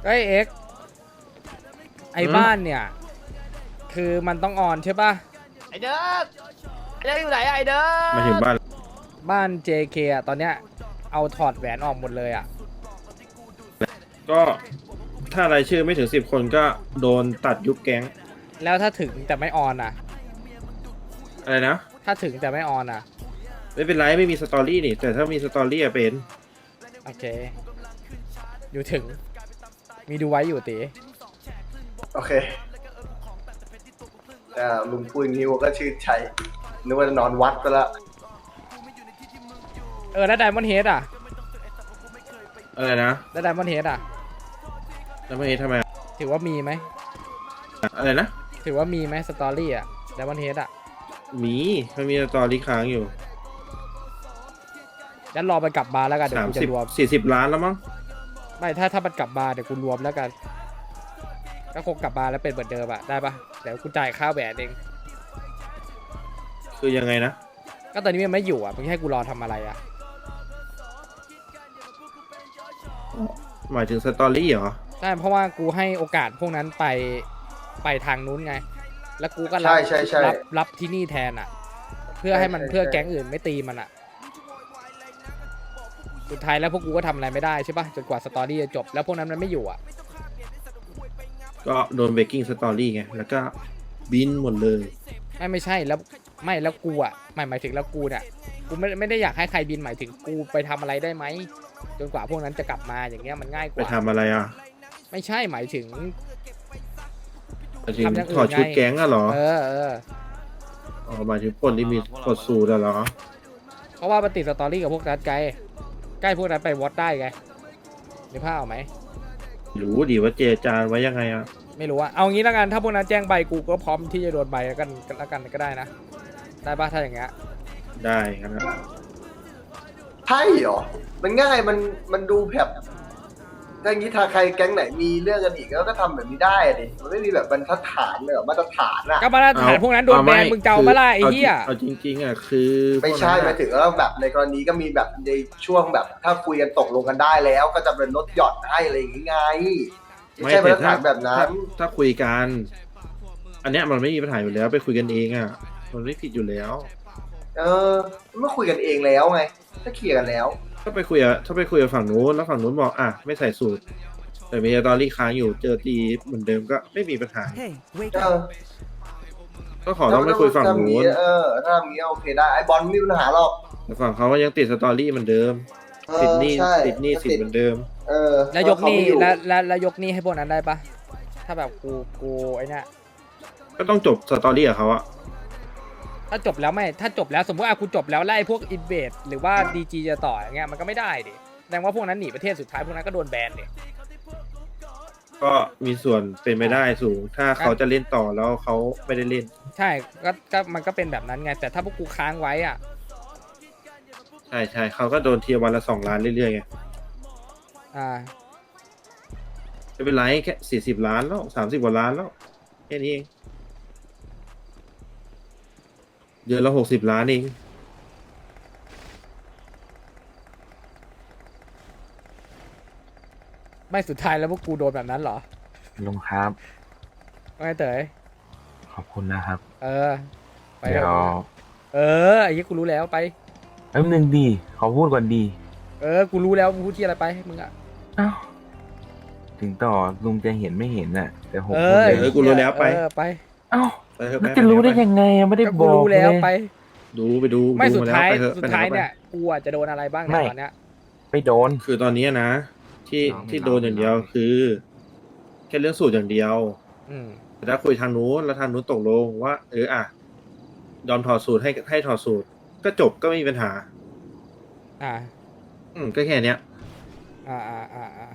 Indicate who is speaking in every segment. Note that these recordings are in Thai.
Speaker 1: เอ้ยเอ็กไอ้บ้านเนี่ย คือมันต้องออนใช่ป่ะ
Speaker 2: ไอเดิร์กไอเดิร์กอยู่ไหนอะไอเดิร์ก
Speaker 3: มาถึงบ้าน
Speaker 1: บ้าน JK อ่ะตอนเนี้ยเอาถอดแหวนออกหมดเลยอ่ะ
Speaker 3: ก็ถ้ารายชื่อไม่ถึง10 คนก็โดนตัดยุบแก๊ง
Speaker 1: แล้วถ้าถึงแต่ไม่ออนอ่ะ
Speaker 3: อะไรนะ
Speaker 1: ถ้าถึงแต่ไม่ออนอ่ะ
Speaker 3: ไม่เป็นไรไม่มีสตอรี่นี่แต่ถ้ามีสตอรี่อะเป็น
Speaker 1: โอเค อยู่ถึง มีดูไว้อยู่ตี
Speaker 4: โอเคลุงพูดอย่างนี้ผมก็ชื่นใจนึกว่าจะนอนวัดไปละ
Speaker 1: แล้วไดมอนด์เฮดอ่ะ
Speaker 3: อะไรนะ
Speaker 1: แล้วไดมอนด์เฮดอ่ะ
Speaker 3: แล้วไม่เห็นทำไมอะ
Speaker 1: ถือว่ามีไหม
Speaker 3: อะไรนะ
Speaker 1: ถือว่ามีไหมสตอรี่อ่ะไดมอนด์เฮดอ่ะ
Speaker 3: มีมันมีสตอรี่ค้างอยู่
Speaker 1: งั้นรอไปกลับมาแล้วกันเดี๋ยวกูจะรวม
Speaker 3: 40 ล้านแล้วมั้ง
Speaker 1: ไม่ถ้ามันกลับมาเดี๋ยวกูรวมแล้วกันก็คงกลับมาแล้วเป็นเหมือนเดิมอะได้ปะเดี๋ยวกูจ่ายค่าแหวนเอง
Speaker 3: คือยังไงนะ
Speaker 1: ก็ตอนนี้มันไม่อยู่อะมึงให้กูรอทำอะไรอะ
Speaker 3: หมายถึงสตอรี่เหรอ
Speaker 1: ใช่เพราะว่ากูให้โอกาสพวกนั้นไปทางนู้นไง แล้วกูก็
Speaker 4: ใช่ใช่ใช่
Speaker 1: รับที่นี่แทนอะเพื่อให้มัน
Speaker 4: ใช่
Speaker 1: เพื่อแก๊งอื่นไม่ตีมันอะสุดท้ายแล้วพวกกูก็ทำอะไรไม่ได้ใช่ปะจนกว่าสตอรี่จะจบแล้วพวกนั้นมันไม่อยู่อะ
Speaker 3: ก็โดนเบรกกิ้งสตอรี่ไงแล้วก็บินหมดเลย
Speaker 1: ไม่ใช่แล้วไม่แล้วกูอะหมายถึงแล้วกูเนี่ยกูไม่ได้อยากให้ใครบินหมายถึงกูไปทำอะไรได้ไหมจนกว่าพวกนั้นจะกลับมาอย่างเงี้ยมันง่ายก
Speaker 3: ไป
Speaker 1: ว่า
Speaker 3: ทำอะไรอ่ะ
Speaker 1: ไม่ใช่หมายถึง
Speaker 3: หมายถึง
Speaker 1: ทำอย่างอื่น
Speaker 3: ถอดชุด
Speaker 1: ไง
Speaker 3: แก๊งอะเหรอ
Speaker 1: เออ
Speaker 3: อ๋อหมายถึงปล้นที่มีกดสูตรอะเหรอ
Speaker 1: เพราะว่ามันติดสตอรี่กับพวกนั้นไกลใกล้พวกนั้นไปวอตได้ไงนึกภาพออกไหม
Speaker 3: รู้ดีว่าเจรจาไว้ยังไงอ่ะ
Speaker 1: ไม่รู้อะเอางี้แล้วกันถ้าพวกนั้นแจ้งใบกูก็พร้อมที่จะโดนใบแล้วกันก็ได้นะได้ปะถ้าอย่างเงี้ย
Speaker 3: ได้ครับนะ
Speaker 4: ใช่เหรอ มันง่ายมันดูแบบถ้าอย่างนี้ถ้าใครแก๊งไหนมีเรื่องกันอีกก็ทำแบบนี้ได้อะดิมันไม่มีแบบบรรทัดฐานเลยเหรอมาตรฐานอะ
Speaker 1: ก็มาตรฐานพวกนั้นโดนแบนมึงเจ้ามาล่ะไอ้เหี้ย
Speaker 3: เอาจริงๆอ่ะคือ
Speaker 4: ไม่ใช่
Speaker 3: พวก
Speaker 4: ห
Speaker 3: นั้
Speaker 4: มาย
Speaker 3: น
Speaker 4: ถึงว่าแบบในกรณีก็มีแบบในช่วงแบบ ถ้าคุยกันตกลงกันได้แล้ว ก็จะเป็นลดหย่อนให้อะไรอย่างงี้ไงไม่
Speaker 3: ไม่
Speaker 4: ใช่มา
Speaker 3: แต่
Speaker 4: ตรฐานแบบนั้น
Speaker 3: ถ้าคุยกัน อันเนี้ยมันไม่มีปัญหาอยู่แล้วไปคุยกันเองอ่ะมันไม่ผิดอยู่แล้ว
Speaker 4: เออเมื่อคุยกันเองแล้วไงถ้าเคลียร์กันแล้ว
Speaker 3: ถ้าไปคุยกับฝั่งนู้นแล้วฝั่งนู้นบอกอ่ะไม่ใส่สูตร แต่มีสตอรี่ค้างอยู่เจอตีเหมือนเดิมก็ไม่มีปัญหา
Speaker 4: เออ
Speaker 3: ก็ขอต้องไปคุยฝั่งนู้น
Speaker 4: ถ้ามีโอเคได้ไอบอลไม่มีปัญหาหรอก
Speaker 3: แต่ฝั่งเขาก็ยังติดสตอรี่เหมือนเดิม
Speaker 4: เอ
Speaker 3: ติด
Speaker 4: อ
Speaker 3: หนี้
Speaker 4: ใช่
Speaker 3: ติดหนี้สินเหมือนเดิม
Speaker 4: เออ
Speaker 1: แล้วยกหนี้
Speaker 4: เขาไม่อยู่
Speaker 1: แล้วยกหนี้ให้พวกนั้นได้ปะถ้าแบบกูไอ้เนี่ย
Speaker 3: ก็ต้องจบสตอรี่กับเขาอะ
Speaker 1: ถ้าจบแล้วไม่ถ้าจบแล้วสมมติกูจบแล้วไล่พวกอินเวดหรือว่าดีจีจะต่ออย่างเงี้ยมันก็ไม่ได้ดิแสดงว่าพวกนั้นหนีประเทศสุดท้ายพวกนั้นก็โดนแบนดิ
Speaker 3: ก็มีส่วนเป็นไปได้สูง ถ้าเขาจะเล่นต่อแล้วเขาไม่ได้เล่น
Speaker 1: ใช่ก็มันก็เป็นแบบนั้นไงแต่ถ้าพวกกูค้างไว้อ่ะ
Speaker 3: ใช่เขาก็โดนเทียร์วันละ2 ล้านเรื่อยๆไง
Speaker 1: อ่า
Speaker 3: ไม่เป็นไรแค่40 ล้านแล้ว30 กว่าล้านแล้วแค่นี้เองเดือนละ60 ล้านเอง
Speaker 1: ไม่สุดท้ายแล้วพวกกูโดนแบบนั้นเหรอ
Speaker 5: ลุงครับ
Speaker 1: ว่าไงเต๋ย
Speaker 5: ขอบคุณนะครับ
Speaker 1: เออไป
Speaker 5: เดี๋ยว
Speaker 1: เออไอ้ยี่กูรู้แล้วไป
Speaker 5: แป๊บนึงดีขอพูดก่อนดี
Speaker 1: กูรู้แล้วมึงพูดที่อะไรไปมึงอ่ะ
Speaker 5: อ้าวถึงต่อลุงจะเห็นไม่เห็นน่ะ แต่ผม
Speaker 1: เอ
Speaker 5: พูด
Speaker 1: อ
Speaker 5: เลย
Speaker 3: กูรู้แล้วไป
Speaker 1: ไป
Speaker 5: อ้าว
Speaker 3: ไปเถอะ
Speaker 5: แล้ว
Speaker 3: ไป
Speaker 5: จะรู้ได้
Speaker 3: ไป
Speaker 5: ยังไงอะไม่ได้
Speaker 1: ก็
Speaker 5: บ
Speaker 1: กู
Speaker 5: อก
Speaker 1: รู้แล้ว
Speaker 5: เลย
Speaker 1: ไป
Speaker 3: ดูไปดู
Speaker 1: ไม่
Speaker 3: ดู
Speaker 1: สุด
Speaker 3: มาแล้ว
Speaker 1: ท้าย
Speaker 3: ไปเถอะ
Speaker 1: สุด
Speaker 3: ไปไห
Speaker 1: ท้าย
Speaker 3: ก็ไป
Speaker 1: เนี่ยกูอ่ะจะโดนอะไรบ้างใน
Speaker 5: ไม่
Speaker 1: ตอนเนี้ย
Speaker 5: ไปโดน
Speaker 3: คือตอนนี้นะ ที่
Speaker 5: น้องไม่
Speaker 3: ที่
Speaker 5: น้อง
Speaker 3: โดนอย่างเดียว
Speaker 5: ไม่น้อง
Speaker 3: คือ แค่เรื่องสูตรอย่างเดียว
Speaker 1: อืม
Speaker 3: แต่ถ้าคุยทางนู้นแล้วทางนู้นตกลงว่าอ่ะยอมถอดสูตรให้ถอดสูตร ก็จบก็ไม่มีปัญหา
Speaker 1: อ่า
Speaker 3: ก็แค่เนี้ย
Speaker 1: อ่า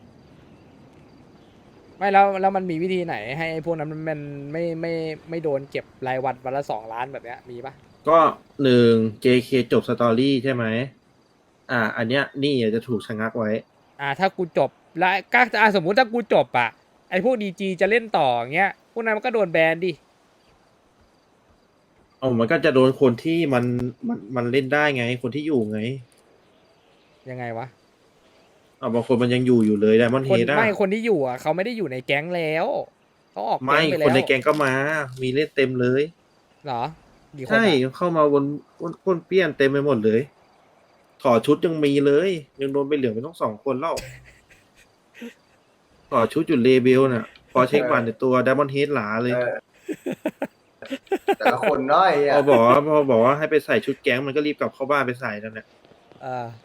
Speaker 1: ไม่แล้วมันมีวิธีไหนให้ไอ้พวกนั้นมันไม่โดนเก็บรายวันละ2 ล้านแบบเนี้ยมีปะ
Speaker 3: ก็JK จบสตอรี่ใช่ไหมอันเนี้ยหนี่จะถูกชะงักไว้
Speaker 1: ถ้ากูจบแล้วก็สมมุติถ้ากูจบอ่ะไอ้พวกดีจีจะเล่นต่ออย่างเงี้ยพวกนั้นมันก็โดนแบนดิ
Speaker 3: มันก็จะโดนคนที่มันเล่นได้ไง คนที่อยู่ไง
Speaker 1: ยังไงวะ
Speaker 3: บางคนมันยังอยู่เลยไดมอนด์
Speaker 1: ค
Speaker 3: เฮ
Speaker 1: น
Speaker 3: ดอะ
Speaker 1: ไม่คนที่อยู่อ่ะเขาไม่ได้อยู่ในแก๊งแล้วเขาออก
Speaker 3: ไม่
Speaker 1: แก๊งไป
Speaker 3: ค
Speaker 1: แล้ว
Speaker 3: นในแก๊งก็มา มีเล่นเต็มเลย
Speaker 1: เหรอกี่คน
Speaker 3: ใช่
Speaker 1: อะ
Speaker 3: เข้ามาวนเปี้ยนเต็มไปหมดเลย ถอดชุดยังมีเลย ยังโดนไปเหลืองไปต้อง2 คนแล้วถอดชุดอยู่เลเบลน่ะ พอเช็คบัตรในตัวไดมอนด์เฮดหลาเลย
Speaker 4: เออแต่ละคนน้อย
Speaker 3: พ
Speaker 4: อ่ะ
Speaker 3: อบอกว่าให้ไปใส่ชุดแก๊งมันก็รีบกลับเข้าบ้านไปใส่นั่นแหละ
Speaker 1: อ่า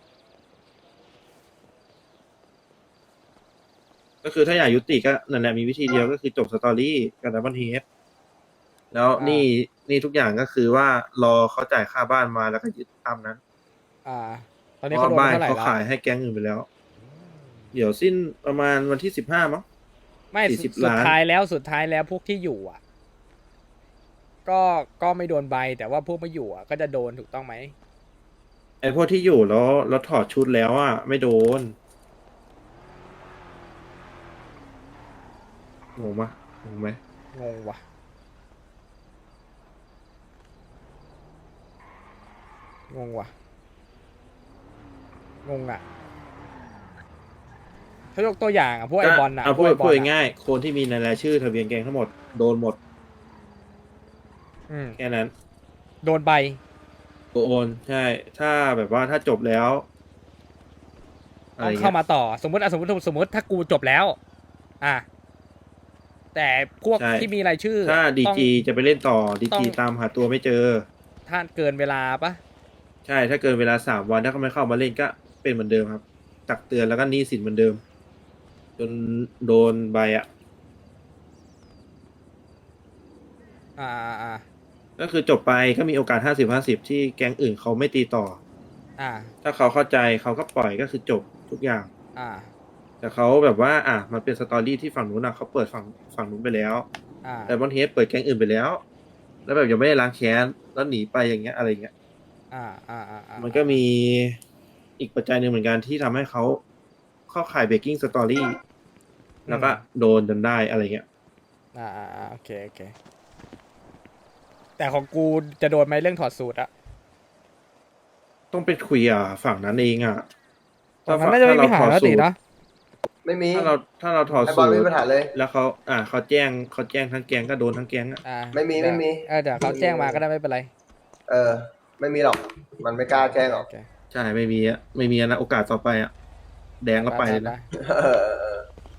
Speaker 3: ก็คือถ้าอยากยุติก็นั่นแหละมีวิธีเดียวก็คือจบสตอรี่กับไดมอนด์เฮดแล้วนี่ทุกอย่างก็คือว่ารอเขาจ่ายค่าบ้านมาแล้วก็ยึดตามนั้น
Speaker 1: อ่า ตอน
Speaker 3: เพ
Speaker 1: นี้
Speaker 3: ราะ
Speaker 1: เขาโดน
Speaker 3: บ้าน
Speaker 1: เท่าไหร่
Speaker 3: เขา
Speaker 1: แล้ว
Speaker 3: ขายให้แก๊งอื่นไปแล้ว เดี๋ยวสิ้นประมาณวันที่15มั้ง
Speaker 1: ไม่
Speaker 3: 40
Speaker 1: สุด
Speaker 3: ล้าน
Speaker 1: ท้ายแล้วพวกที่อยู่อ่ะ ก็ไม่โดนใบแต่ว่าพวกไม่อยู่อ่ะก็จะโดนถูกต้องไหม
Speaker 3: ไอ้พวกที่อยู่แล้วถอดชุดแล้วอ่ะไม่โดนงงปะงงไหม
Speaker 1: งงว่ะงงว่ะงงอ่ะถ้ายกตัวอย่างอ่ะพวกไอบอลอ่ะ
Speaker 3: เอา
Speaker 1: พวกไอบอ
Speaker 3: พู
Speaker 1: ล
Speaker 3: ด
Speaker 1: อ่ะ
Speaker 3: ง่ายๆคนที่มีในรายชื่อทะเบียนแก๊งทั้งหมดโดนหมด
Speaker 1: อืม
Speaker 3: แค่นั้น
Speaker 1: โดนใบ
Speaker 3: โอนใช่ ถ้าแบบว่าถ้าจบแล้วอะไร
Speaker 1: ต้อง
Speaker 3: เงี้
Speaker 1: เข้าย มาต่อสมมติถ้ากูจบแล้ว อ่ะแต่พวก
Speaker 3: ใช่
Speaker 1: ที่มีรายชื่อ
Speaker 3: ถ้าดี
Speaker 1: ต้อง
Speaker 3: จีจะไปเล่นต่อดี
Speaker 1: ต้อ
Speaker 3: จี
Speaker 1: ง
Speaker 3: ตามหาตัวไม่เจอ
Speaker 1: ถ้าเกินเวลาปะ
Speaker 3: ใช่ ถ้าเกินเวลา3 วันถ้าเขาไม่เข้ามาเล่นก็เป็นเหมือนเดิมครับตักเตือนแล้วก็หนี้สินเหมือนเดิม จนโดนใบอ่ะ
Speaker 1: อ่า
Speaker 3: ก็คือจบไปก็มีโอกาส50-50ที่แก๊งอื่นเขาไม่ตีต่อ
Speaker 1: อ่า
Speaker 3: ถ้าเขาเข้าใจเขาก็ปล่อยก็คือจบทุกอย่าง
Speaker 1: อ่า
Speaker 3: แต่เขาแบบว่ามันเป็นสตอรี่ที่ฝั่งนู้นเขาเปิดฝั่งนู้นไปแล้ว
Speaker 1: อ่า
Speaker 3: แต่บอลเฮดเปิดแก๊งอื่นไปแล้ว แล้วแบบยังไม่ได้ล้างแค้นแล้วหนีไปอย่างเงี้ยอะไรเงี้ย
Speaker 1: อ่า
Speaker 3: มันก็มีอีกปัจจัยหนึ่งเหมือนกันที่ทำให้เขาเข้าข่ายเบรกกิ้งสตอรี่แล้วก็โดนจนได้อะไรเงี้ย
Speaker 1: โอเคแต่ของกูจะโดนไหมเรื่องถอดสูตรอะ
Speaker 3: ต้องไปคุยฝั่งนั้นเองอ่ะ
Speaker 1: ฝั่งนั้นน่าจะไม่มีปัญหาแล้วตินะ
Speaker 4: ไม่มี
Speaker 3: ถ้าเราถอด
Speaker 4: ไอ้บ
Speaker 3: สู
Speaker 4: อล
Speaker 3: ต
Speaker 4: ไม่
Speaker 3: ร
Speaker 4: มีปัญหาเลย
Speaker 3: แล้วเขาแจ้งทั้งแก๊งก็โดนทั้งแก๊งอ่ะ
Speaker 1: อ่า
Speaker 4: ไม่มี
Speaker 1: เดี๋ยวเขาแจ้งมาก็ได้ไม่เป็นไร
Speaker 4: เออ ไม่มีหรอก มันไม่กล้าแจ้งหรอก
Speaker 1: โอเค
Speaker 3: ใช่ไม่มีนะโอกาสต่อไปอ่ะแดงก็ไปเลยนะ
Speaker 4: เออ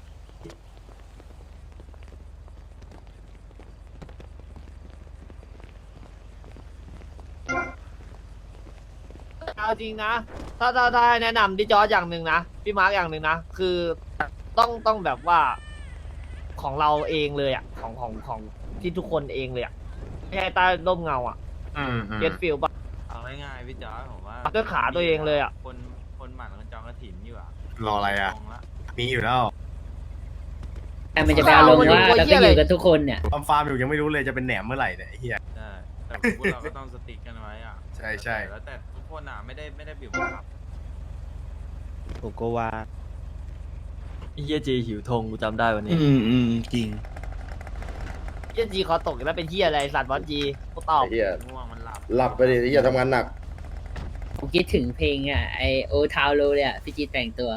Speaker 2: เอาจริงนะ ถ้าแนะนำดิจอร์จอย่างหนึ่งนะ พี่มาร์กอย่างหนึ่งนะ คือต้องแบบว่าของเราเองเลยอ่ะ ของที่ทุกคนเองเลยอ่ะ ไม่ใช่ใต้ร่มเงาอ่ะเก็ตฟิลป่ะ
Speaker 6: เอาง่ายๆพี่จอร์จผมว่า
Speaker 2: ด้วยขาตัวเองเลยอะ
Speaker 6: คนหมั่นคนจองกระถิ่นอยู่อ่ะ
Speaker 7: รออะไรอ่ะ
Speaker 6: ลงละ
Speaker 7: มีอยู่แล้ว
Speaker 8: แต่มันจะไปอารมณ์ว่าเราก็อยู่กันทุกคนเนี่ย
Speaker 7: ฟาร์มอยู่ยังไม่รู้เลยจะเป็นแหนมเมื่อไหร่เนี่ยไอ้เฮีย
Speaker 6: ใช่แต่พวกเราก็ต้องสติ๊กกันไว้อ่ะ
Speaker 7: ใช่ใช่
Speaker 6: แล้วแต่ทุกคนอ่ะไม่ได้บีบบังคับ
Speaker 9: ผมก็ว่าเฮียจีหิวธงกูจำได้วันนี้
Speaker 5: จริง
Speaker 2: เหี้ยจีคอตกแล้วเป็นเฮียอะไรสัตว์บอลจีกูตอบ
Speaker 10: ไอ้เหี้ย
Speaker 6: ง่วงมันหลับ
Speaker 10: หลับไปดิไอ้เหี้ยทำงานหนัก
Speaker 8: ผมคิดถึงเพลงอ่ะไอโอทาวโลเลยอ่ะพี่จีแต่งตัว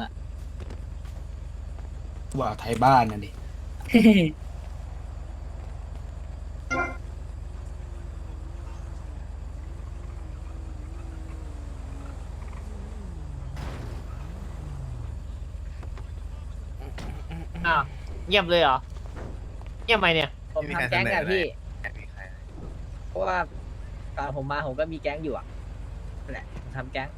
Speaker 9: ว่าไทยบ้านน่ะดิ
Speaker 2: อ้าวเงียบเลยเหรอ เงียบไหมเนี่ย
Speaker 8: ผมทำแก๊งกับพี่
Speaker 7: มีใคร
Speaker 8: เพราะว่าตอนผมมาผมก็มีแก๊งอยู่อ่ะนั่นแหละผมทำแก๊ง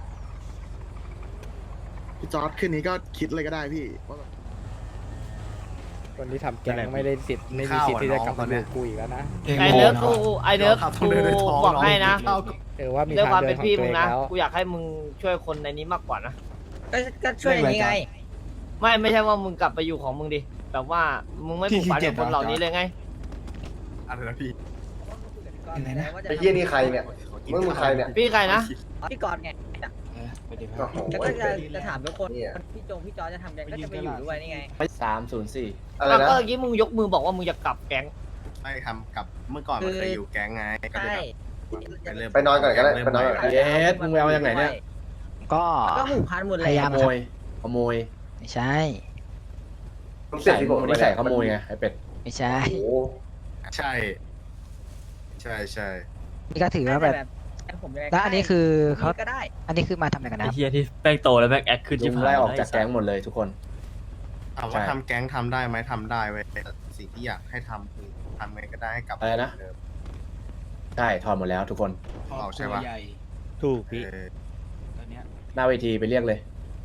Speaker 10: พี่จอร์ดขึ้นนี้ก็คิดเลยก็ได้พี่ว่าแบบ
Speaker 1: คนที่ทำแก๊งไม่ได้สิทธิ์ไม่มีสิทธิ์ที่จะกลับมาดูกูอีกแล้วนะ
Speaker 2: ไอเนิร์ฟกูบอกให้นะ
Speaker 1: ว่ามี
Speaker 2: เรื่อง
Speaker 1: ทาง
Speaker 2: ความ
Speaker 1: เดิ
Speaker 2: เป็น น
Speaker 1: ของ
Speaker 2: พี่
Speaker 1: ตัว
Speaker 2: มึ
Speaker 1: เอง ง
Speaker 2: นะ
Speaker 1: แล้ว
Speaker 2: กูอยากให้มึงช่วยคนในนี้มากกว่านะ
Speaker 8: ก็ช่วยอย่างนี้ไง
Speaker 2: ไม่ใช่ว่ามึงกลับไปอยู่ของมึงดิแบบว่ามึงไม่ผูกพันกับคนเหล่านี้เลยไง
Speaker 7: อะไรนะพี่
Speaker 4: ไอ้เหี้ยนี่ใครเนี่ย มึงใครเนี่ย
Speaker 2: พี่ใครนะ
Speaker 8: พี่กรณ์ไง
Speaker 9: ไปดิ
Speaker 4: โอ้โห
Speaker 8: แล้วก็จะถามทุกคนพี่พี่จอจะทำแก๊งก็จะไปอยู่ด้วยนี่ไง
Speaker 10: 304
Speaker 4: อะไร
Speaker 2: แล้ว
Speaker 4: นะ
Speaker 2: ก็เมื่อกี้มึงยกมือบอกว่ามึงจะกลับแก๊ง
Speaker 7: ไม่ทำกับเมื่อก่อนมันเคยอยู่แก๊งไงก็เลย
Speaker 8: ใช่
Speaker 7: แบบ
Speaker 4: ไปนอนก่อนก็ได้ไปนอนก่อน
Speaker 10: เย็ดมึงไปเอาอย่างไหนเนี่ย
Speaker 8: ก็ผูกพันหมดเลย
Speaker 10: ขโมย
Speaker 8: พ
Speaker 10: ขโมย
Speaker 8: ไม่ใช่
Speaker 4: ต้องเสียที่ผม
Speaker 10: ไม่ใส่ขโมยไงไอเป็ด
Speaker 8: ไม่ใช่
Speaker 4: โอ้โห
Speaker 7: ใช่ ใช่ใช่
Speaker 8: นี่ก็ถือว่าแบบแล้วอันนี้คือเขาก็ได้ อันนี้คือมาทำอะไรกัน
Speaker 9: ไอ้
Speaker 8: นะ
Speaker 9: เฮียที่แป้งโตแล้วแม่งแอคขึ้น
Speaker 10: ลุ
Speaker 9: ชิบ
Speaker 10: ง
Speaker 9: หาย
Speaker 10: ไล่ออกจากแก๊งหมดเลยทุกคน
Speaker 7: ถามว่าทำแก๊งทำได้ไหมทำได้เว้ยแต่สิ่งที่อยากให้ทำคือทำไงก็ได้ให้กลับ
Speaker 10: อะไรนะ
Speaker 7: เหมืเดิม
Speaker 10: ใช่ถอดหมดแล้วทุกคน
Speaker 7: เอาใช่ปะ
Speaker 9: ถูกพี่
Speaker 7: เออ
Speaker 10: หน้าเวทีไปเรียกเลย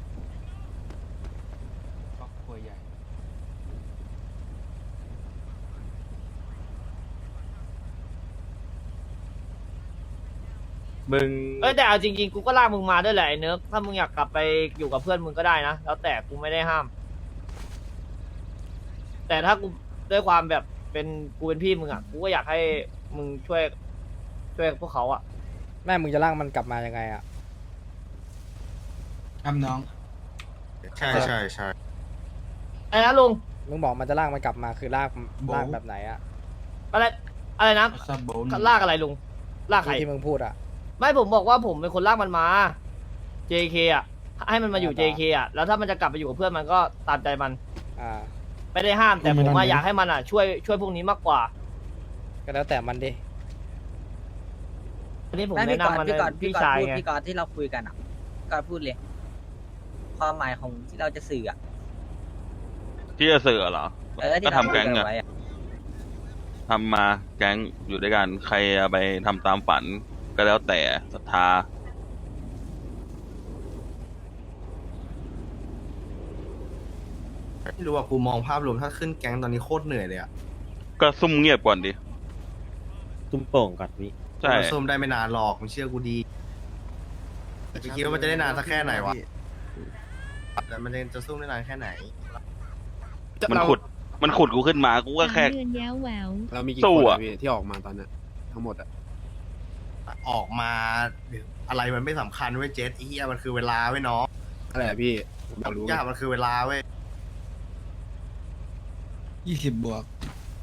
Speaker 9: มึง
Speaker 2: เอ้ยแต่เอาจริงๆกูก็ลากมึงมาด้วยแหละไอ้เนิร์กถ้ามึงอยากกลับไปอยู่กับเพื่อนมึงก็ได้นะแล้วแต่กูไม่ได้ห้าม แต่ถ้ากูด้วยความแบบเป็นกูเป็นพี่มึงอ่ะกูก็อยากให้มึงช่วยพวกเขาอ่ะ
Speaker 1: แม่มึงจะลากมันกลับมายังไงอ่ะ
Speaker 7: ใช่ใช่ใช่
Speaker 2: ไอ้นะลุง
Speaker 1: มึงบอกมันจะลากมันกลับมาคือลากแบบไหนอ่ะ
Speaker 2: อะไรนะลากอะไรลุงลากใคร
Speaker 1: ที่มึงพูดอ่ะ
Speaker 2: ไม่ผมบอกว่าผมเป็นคนลากมันมา JK อ่ะให้มันมาอยู่ JK อ่ะแล้วถ้ามันจะกลับไปอยู่กับเพื่อนมันก็ตามใจมัน
Speaker 1: อ่า
Speaker 2: ไม่ได้ห้ามแต่ผมอยากให้มันอ่ะช่วยพวกนี้มากกว่า
Speaker 1: ก็แล้วแต่มันดิ
Speaker 2: อันนี้ผม
Speaker 8: ไม่
Speaker 2: แนะนำมัน
Speaker 8: พี่ก่อน
Speaker 2: พี่
Speaker 8: พี่ก่อน
Speaker 2: ชาย
Speaker 8: พูด
Speaker 2: ไง
Speaker 8: พี่ก่อนที่เราคุยกันอ่ะก่อนพูดเลย ความหมายของที่เราจะสื่ออ่ะ
Speaker 11: ที่จะสื่อเหรอ
Speaker 8: ที่
Speaker 11: ก็
Speaker 8: เรา
Speaker 11: ทำแก๊ง
Speaker 8: คุย
Speaker 11: อะ
Speaker 8: นไว้อะ
Speaker 11: ทำมาแก๊งอยู่ด้วยกัน ใครเอาไปทำตามฝันก็แล้วแต่ศรัทธา
Speaker 7: ไม่รู้ว่ากูมองภาพรวมถ้าขึ้นแก๊งตอนนี้โคตรเหนื่อยเลยอะ
Speaker 11: ก็ซุ่มเงียบก่อนดิ
Speaker 9: ตุ้มโป่งก่อนพี่
Speaker 11: ใช่
Speaker 7: มันซุ่มได้ไม่นานหรอกมึงเชื่อกูดีแต่คิดว่ามันจะได้นานสักแค่ไหนวะแต่มันจะซุ่มได้นานแค่ไหน
Speaker 11: มันขุดกูขึ้นมากูก็แค่
Speaker 12: เดือนแย้วแหวว
Speaker 10: เรามีกี่
Speaker 11: สู้
Speaker 10: คน
Speaker 11: อะ
Speaker 10: อะพี่ที่ออกมาตอนนี้ทั้งหมดอะ
Speaker 7: ออกมาอะไรมันไม่สำคัญเว้ยเจสไอ้เหี้ยมันคือเวลาเว้ยน้อง
Speaker 10: อะไรอะพี่ผมอยากรู้
Speaker 7: ยากมันคือเวลาเว้ย
Speaker 10: 20 บวก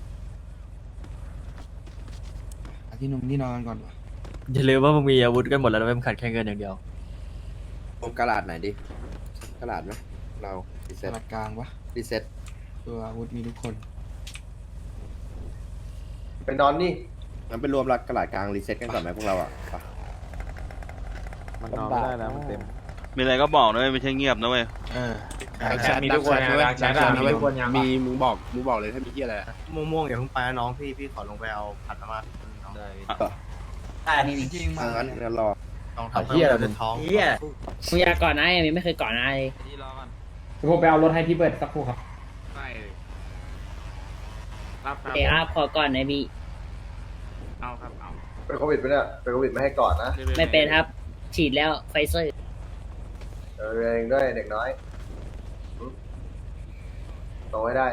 Speaker 10: ที่นุ่งที่นอนก่อนวะ
Speaker 9: อย่าลืมว่ามึงมีอาวุธกันหมดแล้วนะไม่มึงขาดแค่เงินอย่างเดียว
Speaker 10: ผมกระดาษไหนดิกระดาษไหมเรารีเซ็ตกระดาษกลางวะรีเซ็ตตัวอาวุธมีทุกคน
Speaker 4: ไปนอนนี่
Speaker 10: งั้นไปรวมรักกระดาษกลางรีเซ็ตกันก่อนไหมพวกเราอะไป
Speaker 1: มันนอนไม่ได้แล้วมันเต็ม
Speaker 11: มีอะไรก็บอกนะเว้ยไม่ใช่เงียบนะเว้ย
Speaker 10: แชทมีทุกคนนะแชทมีทุกคนมีมึงบอกเลยถ้ามีที่อะไร
Speaker 7: ม่วงๆอย่าเพิ่งไปนะน้องพี่ขอลงไปเอาผัดมาม่าน้อง
Speaker 8: นี่จริง
Speaker 10: งั้นรอ
Speaker 7: ต้องทำเพื่อเราจะท้อง
Speaker 8: เฮียมึงอยากก่อนนะยังไม่เคยก่อนนะ
Speaker 6: ที่รอกัน
Speaker 1: ผมไปเอารถให้พี่เบิร์ดสักครู่ครับ
Speaker 8: เดี๋ยวขอก่อนนะพี่
Speaker 6: เอาครับเอา
Speaker 4: เป็นโควิดไปเนี่ยเป็นโควิดไม่ให้ก่อนนะ
Speaker 8: ไม่เป็นครับ ฉีดแล้วไฟเซอร์
Speaker 4: เองด้วยเด็กน้อยโตให้ได้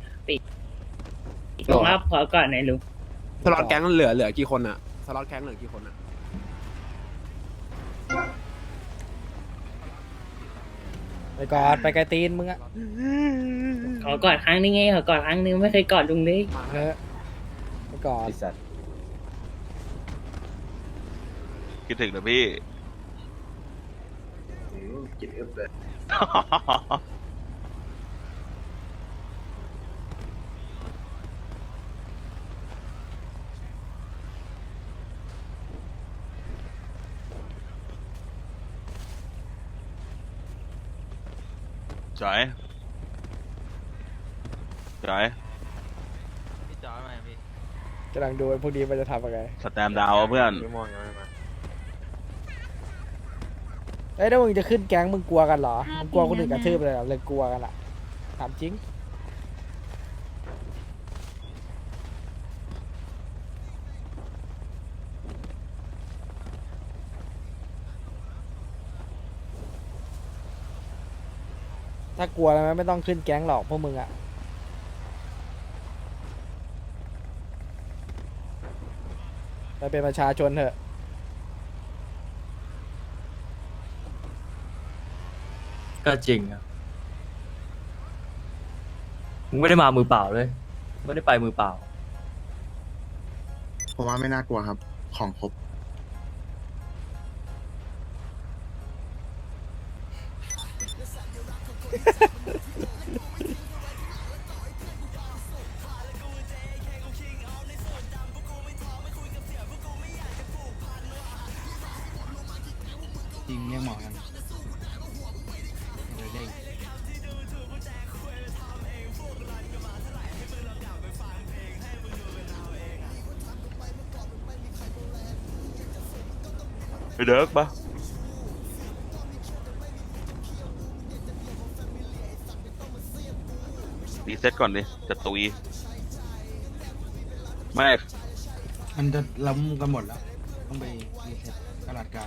Speaker 8: ลุงครับขอก่อนหน่อยลุง
Speaker 10: สล็อตแก๊งเหลือกี่คนอะสล็อตแก๊งเหลือกี่คนอะ
Speaker 1: ไปก่อนไปไกลตีนมึงอ่ะ
Speaker 8: ขอก่อนครั้งนึงไงขอก่อนครั้งนึงไม่เคยกอดลุงเลย
Speaker 1: เออไปก่อน
Speaker 11: คิดถึงนะพี่
Speaker 4: กินอึบเลย
Speaker 11: จ่าย
Speaker 6: พี่จอยมาพี่
Speaker 1: กำลังดูไอ้พวกนี้มันจะทำยังไง
Speaker 11: สแตมดาวอะเพื่อน
Speaker 1: เอ้ยถ้ามึงจะขึ้นแก๊งมึงกลัวกันเหรอมึงกลัวคนอื่นกระทืบเลยเหรอเลยกลัวกันอ่ะถามจริงถ้ากลัวแล้วไม่ต้องขึ้นแก๊งหรอกพวกมึงอ่ะไปเป็นประชาชนเถอะ
Speaker 9: ก็จริงอะมึงไม่ได้มามือเปล่าเลยไม่ได้ไปมือเปล่า
Speaker 10: ผมว่าไม่น่ากลัวครับ ของครบ
Speaker 9: จริงเรียกหมอกัน
Speaker 11: ไปเดิร์กปะรีเซ็ตก่อนดิจะตุยไม่
Speaker 9: มันจะล้ำกันหมดแล้ว ต้องไปรีเซ็ตตลาดกลาง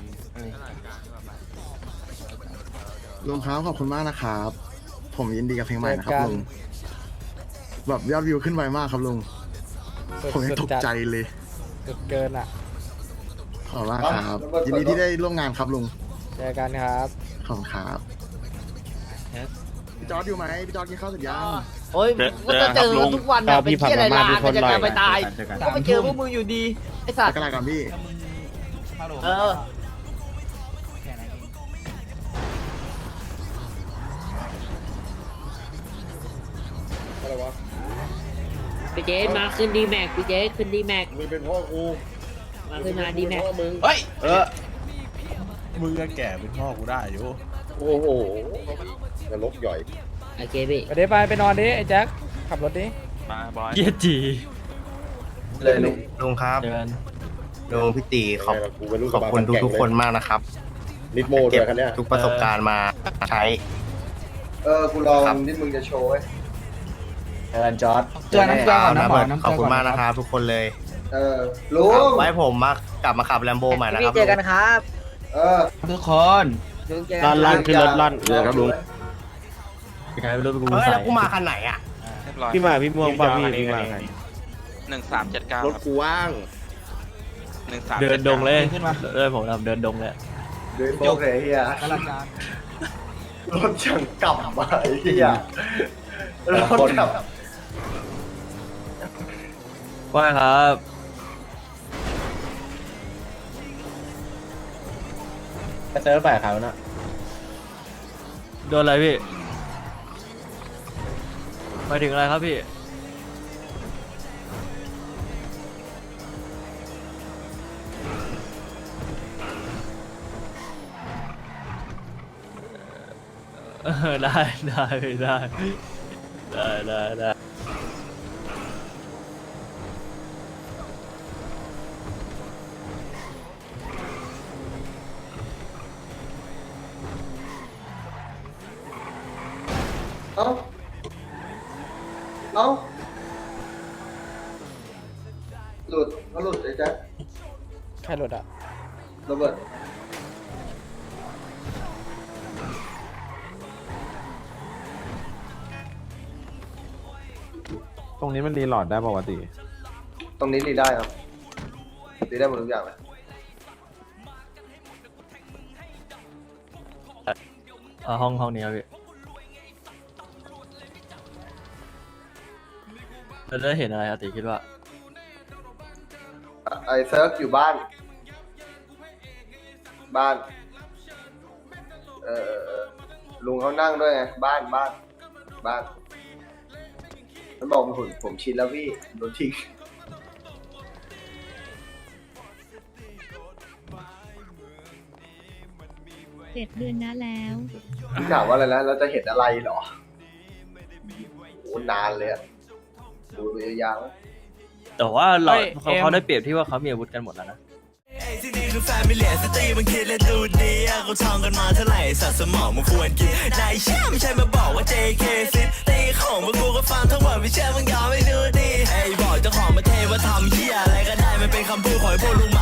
Speaker 9: ลุงครับขอบคุณมากนะครับ ผมยินดีกับเพลงใหม่นะครับลุงแบบยอดวิวขึ้นไวมากครับลุงผมยังตกใจเลย
Speaker 1: สุดเกินอ่ะ
Speaker 9: ขอบคุณมากครับยินดีที่ได้ร่วมงานครับลุง
Speaker 1: เจอกันครับ
Speaker 9: ขอบคุณครับพี่จอร์ดอยู่ไหมพี่จอร์ดกินข้าวเสร็จยัง
Speaker 2: โอ้ยก็จะเจอกันทุกวันเนี่ยเป็นเที่ยอะไรลากันจะกันไปตายก็ไปเจอพวกมึงอยู่ดีไอ้สัต
Speaker 9: ไป
Speaker 2: ว์
Speaker 9: กันอะไรกันพี่
Speaker 2: เออ
Speaker 8: พี่เจสมาขึ้นดีแม็กพี่เจสขึ้นดีแม็ก
Speaker 4: มึงเป็นพ่อกู
Speaker 8: มาขึ้นมาดีแม็ก
Speaker 4: พ่อมึง
Speaker 10: เฮ้ย
Speaker 9: มึงก็แก่เป็นพ่อกูได้อยู่
Speaker 4: โอ้โหนรกย่อย
Speaker 8: โอเคพี่
Speaker 1: ไปเดี๋ยวไปนอนดิไอ้แจ็คขับรถดิ
Speaker 11: มาบอย
Speaker 9: เกียจี
Speaker 4: เลยลุง
Speaker 7: ลุงครับ
Speaker 9: เดิน
Speaker 7: ลุงพี่ตีขอบ
Speaker 4: กูเป็นลูก
Speaker 7: ขอบคุณทุกๆคนมากนะครับ
Speaker 4: นิดโมด้วยคันเนี้ย
Speaker 7: ทุกประสบการณ์มาใช้
Speaker 4: กูรอที่มึงจะโชว์ไว้
Speaker 10: เชิญจอร์ด
Speaker 9: เจอน้ำเกลือก่อนนะ
Speaker 7: นะ
Speaker 9: หมอ
Speaker 7: เบิร์ด
Speaker 9: น้ำเก
Speaker 7: ขอบ
Speaker 9: ลือ
Speaker 7: คุณ
Speaker 9: ก่อน
Speaker 7: มากนะครับทุกคนเลย
Speaker 4: ลุง
Speaker 7: ไว้ผมมากลับมาขับแลมโบใหม่นะครับ
Speaker 8: พี่เจอกันครับ
Speaker 9: ทุกคน
Speaker 8: ลุงเจอกันครับ
Speaker 4: ขึ้นรถลั่นเลยครับลุง
Speaker 9: ใครไม่รู้เป็นกู
Speaker 7: เฮ้ย
Speaker 9: ใส่
Speaker 7: แล้วกูมาคันไหนอ่ะ
Speaker 11: พี่มา
Speaker 10: พี่ม่วงป่ะพี่มา
Speaker 11: 1379
Speaker 10: รถกูว่าง
Speaker 11: 1379
Speaker 9: เดินดงเลยขึ้นมาเลยผมทำเดินดงเลย
Speaker 4: เดินโป๊กเลยเฮีย
Speaker 9: ตลาดกลาง
Speaker 4: รถช่างกลับมาไอ้เฮียรถกลับ
Speaker 9: ว่าครับ
Speaker 10: ไปเซิร์ฟฝ่ายเขานะ
Speaker 9: โดนอะไรพี่หมายถึงอะไรครับพี่ได้ได้
Speaker 4: เอ้าหลุดเขาหลุดไอ้แจ๊ค
Speaker 1: ใครรถอ่ะ
Speaker 4: โรเบิร์ต
Speaker 5: ตรงนี้มันรีโหลดได้ปกติ
Speaker 4: ตรงนี้รีได้ครับรีได้หมดทุกอย่างเลย
Speaker 9: ห้องนี้ครับพี่เราได้เห็นอะไรอาติคิดว่า
Speaker 4: ไอ้เซิร์ฟอยู่บ้าน ลุงเขานั่งด้วยไงบ้านมันบอกผมชินแล้วพี่โดนทิ้ง
Speaker 12: 7 เดือนนะแล้ว
Speaker 4: พี่ถามว่าอะไรนะเราจะเห็นอะไรเหรอโอ้นานเลยอะดูไปยาวๆ
Speaker 9: แต่ว่าเรา
Speaker 1: เฮ้ย
Speaker 9: เขาได้เปรียบที่ว่าเขามีอาวุธกันหมดแล้วนะ
Speaker 13: ที่นี่คือแฟมิเลียสตรีมันคิดและดูดีกูท่องกันมาเท่าไหร่สัตว์สมองมันควรกินนายเชื่อไม่ใช่มาบอกว่า JK ซิตีของมึงกูก็ฟังทั้งหมดไม่เชื่อมึงยอมไม่ดูดีไอ้บอกเจ้าของมาเทว่าทำเหี้ยอะไรก็ได้มันเป็นคำพูดของพวกลุง